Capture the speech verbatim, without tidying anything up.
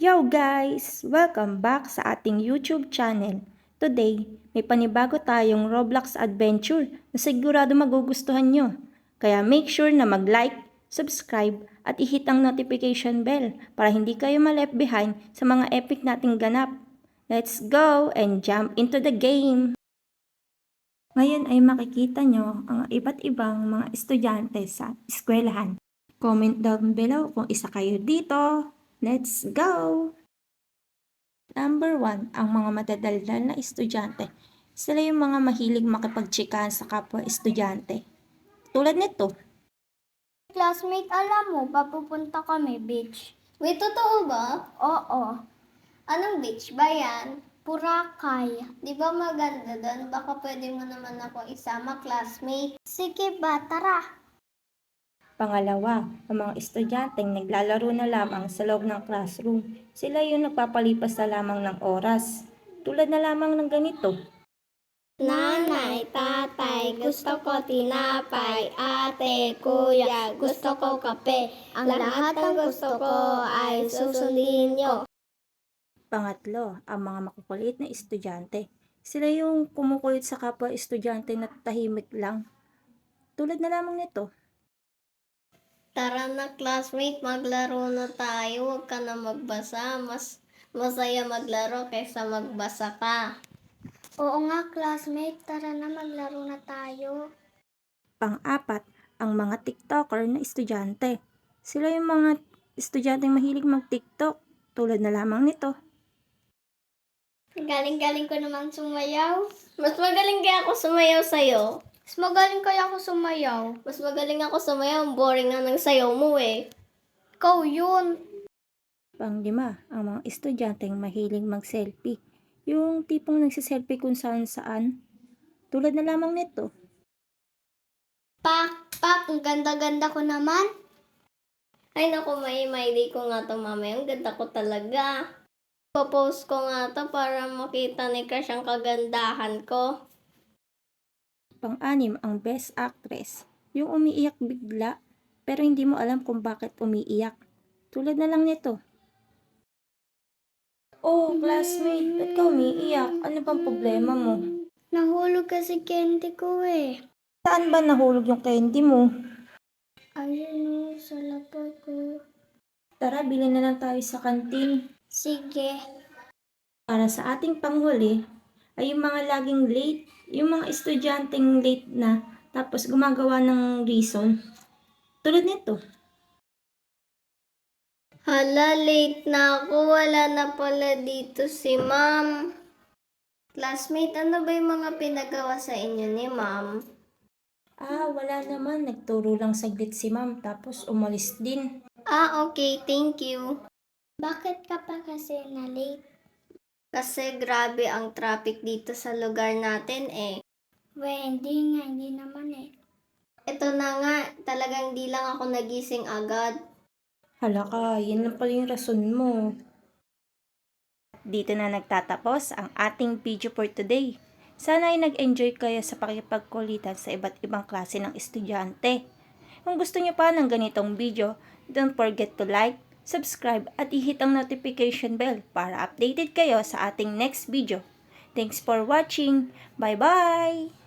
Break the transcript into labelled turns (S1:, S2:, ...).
S1: Yo guys! Welcome back sa ating YouTube channel. Today, may panibago tayong Roblox adventure na sigurado magugustuhan nyo. Kaya make sure na mag-like, subscribe at i-hit ang notification bell para hindi kayo ma-left behind sa mga epic nating ganap. Let's go and jump into the game! Ngayon ay makikita nyo ang iba't ibang mga estudyante sa eskwelahan. Comment down below kung isa kayo dito. Let's go! Number one, ang mga madadaldal na estudyante. Sila yung mga mahilig makipagtsikahan sa kapwa estudyante. Tulad nito.
S2: Classmate, alam mo, papupunta kami beach. Wait, totoo ba? Oo. Anong beach ba yan? Boracay. Di ba maganda doon? Baka pwede mo naman ako isama, classmate. Sige ba, tara.
S1: Pangalawa, ang mga estudyanteng naglalaro na lamang sa loob ng classroom. Sila yung nagpapalipas na lamang ng oras. Tulad na lamang ng ganito.
S2: Nanay, tatay, gusto ko tinapay. Ate, kuya, gusto ko kape. Ang lahat ng gusto ko ay susundin nyo.
S1: Pangatlo, ang mga makukulit na estudyante. Sila yung kumukulit sa kapwa estudyante na tahimik lang. Tulad na lamang nito.
S2: Tara na, classmate, maglaro na tayo. Huwag ka na magbasa. Mas masaya maglaro kaysa magbasa ka. Oo nga, classmate. Tara na, maglaro na tayo.
S1: Pang-apat, ang mga TikToker na estudyante. Sila yung mga estudyanteng mahilig mag-TikTok. Tulad na lamang nito.
S2: Galing-galing ko naman sumayaw. Mas magaling kaya ako sumayaw sa'yo. Mas magaling kaya ako sumayaw. Mas magaling ako sumayaw. Ang boring na ng sayaw mo eh. Ikaw yun.
S1: Panglima, ang mga estudyanteng mahilig mag-selfie. Yung tipong nagsiselfie kung saan saan. Tulad na lamang nito.
S2: Pak, pak, ang ganda-ganda ko naman. Ay naku, may maili ko nga to mamaya. Ang ganda ko talaga. Popost ko nga to para makita ni Crush ang kagandahan ko.
S1: Pang-anim, ang best actress. Yung umiiyak bigla, pero hindi mo alam kung bakit umiiyak. Tulad na lang nito. Oh, classmate, ba't ka umiiyak? Ano bang problema mo?
S2: Nahulog kasi candy ko eh.
S1: Saan ba nahulog yung candy mo?
S2: Ayun o, sa lapag ko.
S1: Tara, bilhin na lang tayo sa kantin.
S2: Sige.
S1: Para sa ating panghuli, ay yung mga laging late, yung mga estudyanteng late na, tapos gumagawa ng reason. Tulad nito.
S2: Hala, late na ako. Wala na pala dito si ma'am. Classmate, ano ba yung mga pinagawa sa inyo ni ma'am?
S1: Ah, wala naman. Nagturo lang saglit si ma'am, tapos umalis din.
S2: Ah, okay. Thank you. Bakit ka pa kasi na late? Kasi grabe ang traffic dito sa lugar natin eh. We, hindi nga. Hindi naman eh. Ito na nga. Talagang di lang ako nagising agad.
S1: Hala ka, yun lang pala yung rason mo. Dito na nagtatapos ang ating video for today. Sana ay nag-enjoy kayo sa pakipagkulitan sa iba't ibang klase ng estudyante. Kung gusto nyo pa ng ganitong video, don't forget to like, subscribe at i-hit ang notification bell para updated kayo sa ating next video. Thanks for watching. Bye-bye!